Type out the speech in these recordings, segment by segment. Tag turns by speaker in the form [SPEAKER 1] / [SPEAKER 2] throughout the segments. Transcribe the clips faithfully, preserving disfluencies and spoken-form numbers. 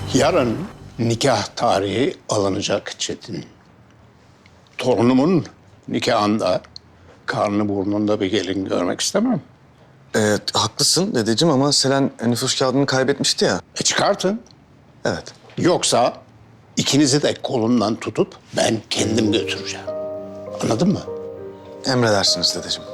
[SPEAKER 1] Yarın nikah tarihi alınacak Çetin. Torunumun nikahında karnı burnunda bir gelin görmek istemem.
[SPEAKER 2] Evet, haklısın dedeciğim ama Selen nüfus kağıdını kaybetmişti ya.
[SPEAKER 1] E çıkartın.
[SPEAKER 2] Evet.
[SPEAKER 1] Yoksa ikinizi de kolundan tutup ben kendim götüreceğim. Anladın mı?
[SPEAKER 2] Emredersiniz dedeciğim.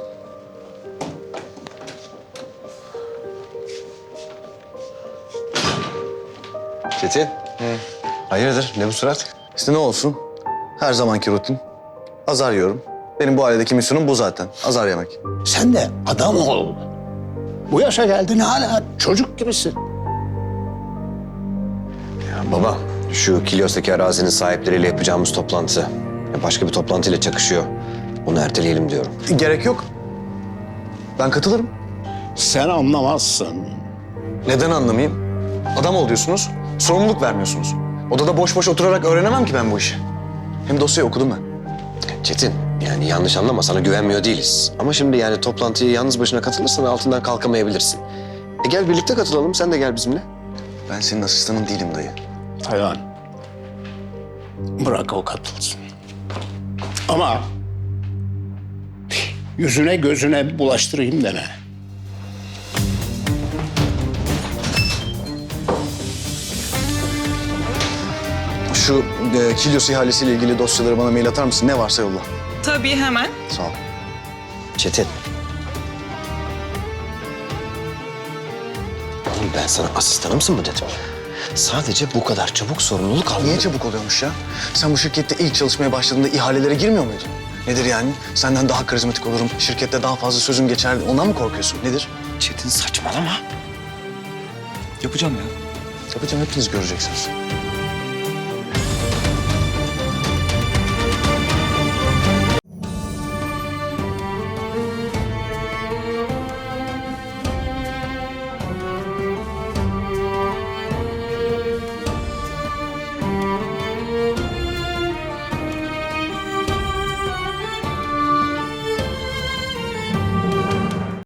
[SPEAKER 3] Çetin. Hayırdır? Ne bu surat?
[SPEAKER 2] İşte ne olsun? Her zamanki rutin. Azar yiyorum. Benim bu ailedeki misyonum bu zaten. Azar yemek.
[SPEAKER 1] Sen de adam ol. Bu yaşa geldin hala çocuk gibisin.
[SPEAKER 3] Ya baba, şu Kilyos'taki arazinin sahipleriyle yapacağımız toplantı ya başka bir toplantıyla çakışıyor. Onu erteleyelim diyorum.
[SPEAKER 2] Gerek yok. Ben katılırım.
[SPEAKER 1] Sen anlamazsın.
[SPEAKER 2] Neden anlamayayım? Adam ol diyorsunuz, sorumluluk vermiyorsunuz. Odada boş boş oturarak öğrenemem ki ben bu işi. Hem dosyayı okudum ben.
[SPEAKER 3] Çetin, yani yanlış anlama, sana güvenmiyor değiliz. Ama şimdi yani toplantıya yalnız başına katılırsan altından kalkamayabilirsin. E gel birlikte katılalım, sen de gel bizimle.
[SPEAKER 2] Ben senin asistanın değilim dayı.
[SPEAKER 1] Taylan. Bırak o katılsın. Ama yüzüne gözüne bulaştırayım deme.
[SPEAKER 2] Şu e, Kilyos ihalesiyle ilgili dosyaları bana mail atar mısın? Ne varsa yolla.
[SPEAKER 4] Tabii hemen.
[SPEAKER 2] Sağ ol.
[SPEAKER 3] Çetin. Oğlum ben sana asistanımsın mı dedim. Sadece bu kadar çabuk sorumluluk almadım.
[SPEAKER 2] Niye çabuk oluyormuş ya? Sen bu şirkette ilk çalışmaya başladığında ihalelere girmiyor muydun? Nedir yani? Senden daha karizmatik olurum, şirkette daha fazla sözüm geçer. Ondan mı korkuyorsun? Nedir?
[SPEAKER 3] Çetin saçmalama.
[SPEAKER 2] Yapacağım ya. Yapacağım, hepiniz göreceksiniz.